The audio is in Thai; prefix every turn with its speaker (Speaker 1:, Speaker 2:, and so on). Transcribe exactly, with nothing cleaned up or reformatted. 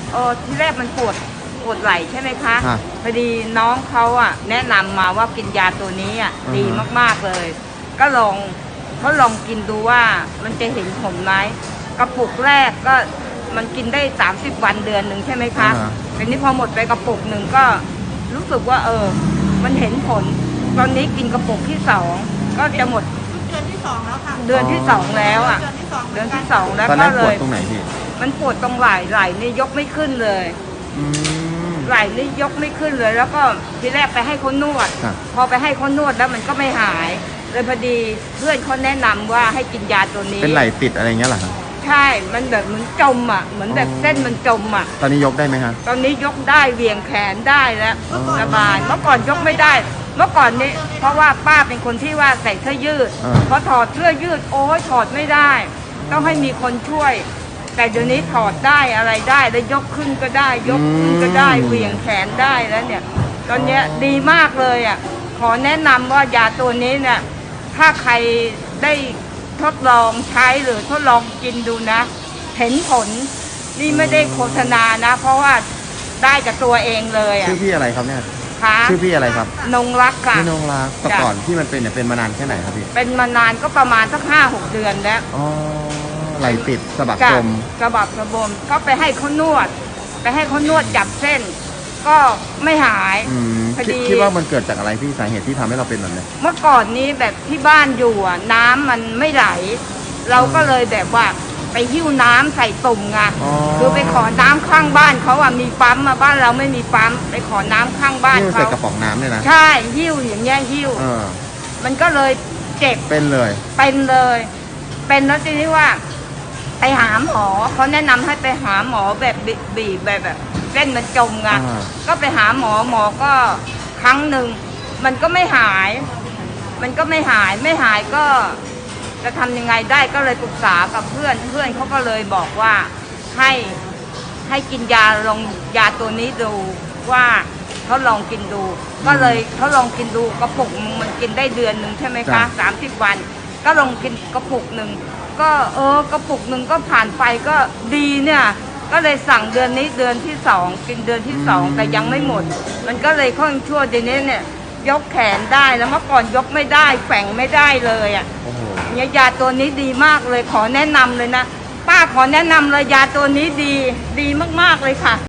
Speaker 1: เออที่แรกมันปวดปวดไหล่ใช่ไหมคะ
Speaker 2: ฮะ
Speaker 1: พอดีน้องเขาอ่ะแนะนำมาว่ากินยาตัวนี้อ่ะ
Speaker 2: อือฮะ
Speaker 1: ดีมากๆเลย ก็ลองเขาลองกินดูว่ามันจะเห็นผลไหมกระปุกแรกก็มันกินได้สามสิบวันเดือนหนึ่งใช่ไหมคะ
Speaker 2: อ่าฮะ
Speaker 1: ทีนี้พอหมดไปกระปุกหนึ่งก็รู้สึกว่าเออ มันเห็นผล ตอนนี้กินกระปุกที่สองก็จะหมด
Speaker 3: เดือนที่สองแล้วค่ะ
Speaker 1: เดือนที่สองแล้วอ่ะ
Speaker 3: เดือนที่สอง
Speaker 1: เดือนที่สองแล้ว
Speaker 2: ตอนแร
Speaker 1: ก็
Speaker 2: ก
Speaker 1: เล
Speaker 2: ปวด
Speaker 1: ย
Speaker 2: ตรงไหนพี่
Speaker 1: มันปวดตรงไหล่ไหล่นี่ยกไม่ขึ้นเลย
Speaker 2: อืม
Speaker 1: ไหล่นี่ยกไม่ขึ้นเลย แล้วก็ทีแรกไปให้เขานวด
Speaker 2: ครับ
Speaker 1: พอไปให้เขานวดแล้วมันก็ไม่หาย เลยพอดีเพื่อนเขาแนะนำว่าให้กินยาตัวนี้
Speaker 2: เป็นไหลติดอะไรเงี้ยเหรอครับ
Speaker 1: ใช่ มันแบบเหมือนจมอ่ะ เหมือนแบบ
Speaker 2: อ๋อ
Speaker 1: เส้นมันจมอ่ะ
Speaker 2: ตอนนี้ยกได้ไหมฮะ
Speaker 1: ตอนนี้ยกได้เหวี่ยงแขนได้แล้ว
Speaker 2: อ๋อ
Speaker 1: สบาย เมื่อก่อนยกไม่ได้ เมื่อก่อนนี้เพราะว่าป้าเป็นคนที่ว่าใส่เสื้อยืด
Speaker 2: อ่า
Speaker 1: พอถอดเสื้อยืดโอ้ยถอดไม่ได้ ต้องให้มีคนช่วย แต่เดี๋ยวนี้ถอดได้อะไรได้แล้วยกขึ้นก็ได้ ยกขึ้นก็ได้เหวี่ยงแขนได้แล้วเนี่ย ตอนเนี้ยดีมากเลยอ่ะ ขอแนะนำว่ายาตัวนี้เนี่ย ถ้าใครได้ทดลองใช้หรือทดลองกินดูนะ เห็นผลนี่ไม่ได้โฆษณานะ เพราะว่าได้กับตัวเองเลยอ่ะ
Speaker 2: ชื่อพี่อะไรครับเนี่ย
Speaker 1: ค่ะ
Speaker 2: ชื่อพี่อะไรครับ
Speaker 1: นงรักค่ะ
Speaker 2: พี่นงรักแต่
Speaker 1: จ้ะ
Speaker 2: ก่อนที่มันเป็นเนี่ยเป็นมานานแค่ไหนครับพี่
Speaker 1: เป็นมานานก็ประมาณสักห้าหกเดือนแล้ว
Speaker 2: อ๋อไหลติดสะบัก
Speaker 1: จ้ะ
Speaker 2: จม
Speaker 1: กระบับกระบมก็ไปให้เขานวด ไปให้เขานวดจับเส้น ก็ไม่หาย
Speaker 2: อืม
Speaker 1: พอดี
Speaker 2: คิดคิดว่ามันเกิดจากอะไรพี่สาเหตุที่ทำให้เราเป็นแบบนี้
Speaker 1: เมื่อก่อนนี้แบบที่บ้านอยู่อ่ะน้ำมันไม่ไหล เราก็เลยแบบว่าไปหิ้วน้ำใส่ตุ่มไง
Speaker 2: อ๋อ
Speaker 1: คือไปขอน้ำข้างบ้านเขาอ่ะมีปั๊มมาบ้านเราไม่มีปั๊มไปขอน้ำข้างบ้าน
Speaker 2: ที่มันใส่
Speaker 1: เขา
Speaker 2: กระป๋องน้ำเนี่ยนะ
Speaker 1: ใช่หิ้วอย่างเงี้ยหิ้ว
Speaker 2: เออ
Speaker 1: มันก็เลยเจ็บ
Speaker 2: เป็นเลย
Speaker 1: เป็นเลย เป็นแล้วทีนี้ว่า ไปหาหมอเขาแนะนำให้ไปหาหมอแบบบีบีบแบบแบบเส้นมันจมไง
Speaker 2: อ่า
Speaker 1: ก็ไปหาหมอหมอก็ครั้งหนึ่งมันก็ไม่หาย มันก็ไม่หายไม่หายก็จะทำยังไงได้ก็เลยปรึกษากับเพื่อนเพื่อนเขาก็เลยบอกว่าให้ให้กินยาลองยาตัวนี้ดูว่าเขาลองกินดู ก็เลยเขาลองกินดูกระปุกนึงมันกินได้เดือนหนึ่งใช่ไหมคะสามสิบวัน ก็ลองกินกระปุกหนึ่งก็เออกระปุกหนึ่งก็ผ่านไปก็ดีเนี่ย ก็เลยสั่งเดือนนี้เดือนที่สองกินเดือนที่สองแต่ยังไม่หมด มันก็เลยค่อนชั่วเดี๋ยวนี้เนี่ยยกแขนได้แล้วเมื่อก่อนยกไม่ได้แฝงไม่ได้เลยอ่ะ
Speaker 2: โอ้โห
Speaker 1: เนี่ยยาตัวนี้ดีมากเลยขอแนะนำเลยนะป้าขอแนะนำเลยยาตัวนี้ดีดีมากๆเลยค่ะ